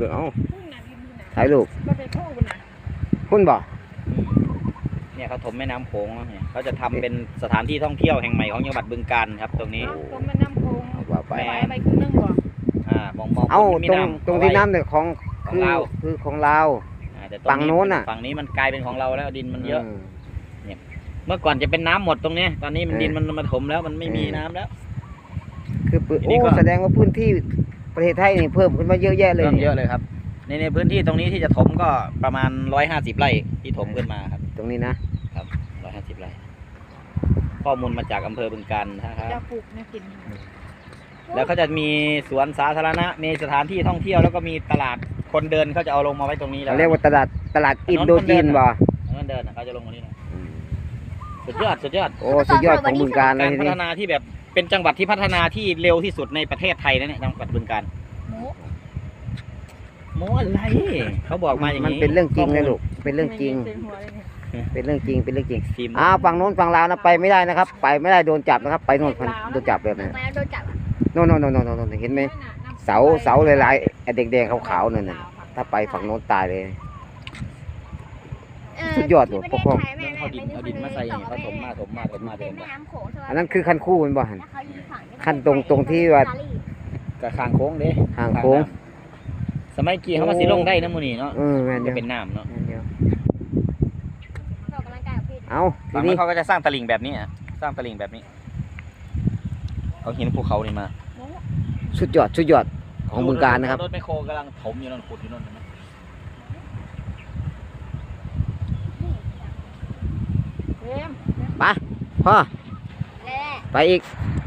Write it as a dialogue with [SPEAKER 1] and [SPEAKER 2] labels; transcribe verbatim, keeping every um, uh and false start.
[SPEAKER 1] เลยเอ้าถ่ายรูป
[SPEAKER 2] ก็ไปโค้งนะ
[SPEAKER 1] หุ้นบ่
[SPEAKER 3] เนี่ยเขาถมแม่น้ำโขงเนี่ยเขาจะทำเป็นสถานที่ท่องเที่ยวแห่งใหม่ของจังหวัดบึงกาฬครับตรงนี้
[SPEAKER 2] ตรงแม่น้ำโค้ง
[SPEAKER 1] ว่าไป
[SPEAKER 2] ไปไปครึ่งนึงบ่
[SPEAKER 3] อ่ามองมอง
[SPEAKER 1] เอ้า
[SPEAKER 3] มี
[SPEAKER 1] ตรง
[SPEAKER 3] น้ำ
[SPEAKER 1] ตรงที่น้ำเนี่ยของ
[SPEAKER 3] ของ
[SPEAKER 1] คือ
[SPEAKER 3] เรา
[SPEAKER 1] คือของเรา
[SPEAKER 3] อ่าแต่
[SPEAKER 1] ฝั่งโน้นน่ะ
[SPEAKER 3] ฝั่งนี้มันกลายเป็นของเราแล้วดินมันเยอะ
[SPEAKER 1] ม
[SPEAKER 3] เมื่อก่อนจะเป็นน้ำหมดตรงนี้ตอนนี้มัน
[SPEAKER 1] เออ
[SPEAKER 3] ดินมันมาถมแล้วมันไม่มี
[SPEAKER 1] เออ
[SPEAKER 3] น้ำแล้ว
[SPEAKER 1] คือปืน
[SPEAKER 3] ทีนี้
[SPEAKER 1] โอ้
[SPEAKER 3] ก็
[SPEAKER 1] แสดงว่าพื้นที่ประเทศไทยนี่เพิ่มขึ้นมาเยอะแยะเลย
[SPEAKER 3] เริ่มเยอะเลยครับในในพื้นที่ตรงนี้ที่จะถมก็ประมาณร้อยห้าสิบไร่ที่ถมขึ้นมาครับ
[SPEAKER 1] ตรงนี้นะครับ
[SPEAKER 3] ร้อยห้าสิบไร่ข้อมูลมาจากอำเภอบึงกาฬนะครับ
[SPEAKER 2] จะปลูกเนี่ยกิน
[SPEAKER 3] แล้วเขาจะมีสวนสาธารณะมีสถานที่ท่องเที่ยวแล้วก็มีตลาดคนเดินเขาจะเอาลงมาไว้ตรงนี้แล้ว
[SPEAKER 1] เขาเรียกว่าตลาดตลาดอินโดจีนบ่
[SPEAKER 3] คนเดินน่ะเขาจะลงตรงนี้นะสุดยอดสุดยอด
[SPEAKER 1] โอ้สุดยอดของบึงการเล
[SPEAKER 3] กาย ร
[SPEAKER 1] ที
[SPEAKER 3] พั
[SPEAKER 1] นี้
[SPEAKER 3] ฒนาที่แบบเป็นจังหวัดที่พัฒนาที่เร็วที่สุดในประเทศไทยนะเนี่ยจังหวัดบึงกาฬ
[SPEAKER 2] หมู
[SPEAKER 3] โม้อะไรเขาบอกมาอย่าง
[SPEAKER 1] มัน
[SPEAKER 3] นี้
[SPEAKER 1] เป็นเรื่องจริงเลยลูกเป็นเรื่องจริง
[SPEAKER 2] ไม่มีเต็มหัวเลยเนี่ย
[SPEAKER 1] เป็นเรื่องจริงเป็นเรื่องจริง
[SPEAKER 3] ทีม
[SPEAKER 1] อ้าวฝั่งโน้นฝั่งลาวนะไปไม่ได้นะครับ ไปไม่ได้โดนจับนะครับ ไปโน่นโดนจับแบบนี้
[SPEAKER 4] ไปแล้วโดนจับอะ
[SPEAKER 1] โน่นโน่นโน่นโน่นโน่นเห็นไหมเสาเสาหลายๆไอ้แดงๆขาวๆนั่นน่ะถ้าไปฝั่งโน้นตายเลย
[SPEAKER 4] เ
[SPEAKER 1] สุดยอดว่ะ
[SPEAKER 4] ที่
[SPEAKER 1] ปกครอง
[SPEAKER 4] ประเทศไทยแม่
[SPEAKER 3] เอาดินเอาดินมาใส่นี่เขาถมมาถมมาถมมาเดิ
[SPEAKER 4] เป็น
[SPEAKER 3] น
[SPEAKER 4] แม่
[SPEAKER 3] มา
[SPEAKER 4] น้ำโขงใช่ไหม
[SPEAKER 1] อันนั้นคือคันคู่มันบ่หัน
[SPEAKER 4] แล้วเขาอยู่ฝั่ง
[SPEAKER 1] ขั้นตรงตรงที่ว่า
[SPEAKER 3] กับคางโค้งเด้
[SPEAKER 1] ทางโค้ง
[SPEAKER 3] สมัยกี้เขามาสิลงได้นะมูนี่เนาะ
[SPEAKER 1] เออแม่นเดี
[SPEAKER 3] จะ
[SPEAKER 1] ยว
[SPEAKER 3] เป็นน้ำเนาะ
[SPEAKER 1] แม่นเดียว
[SPEAKER 4] ออกกำลังกายกับพี่
[SPEAKER 1] เอาที
[SPEAKER 3] ฝั่งนี้
[SPEAKER 1] นี้
[SPEAKER 3] เขาก็จะสร้างตลิ่งแบบนี้อะสร้างตลิ่งแบบนี้เขาหินภูเขานี่มา
[SPEAKER 1] สุดยอดสุดยอดของบึงการนะครับ
[SPEAKER 3] รถไมคโครกำลังถมอยู่นั่นขุดอยู่นั่นเห็นไหม
[SPEAKER 2] เต็ม
[SPEAKER 1] ไปพ่อ
[SPEAKER 4] แน่
[SPEAKER 1] ไปอีก
[SPEAKER 4] ๆ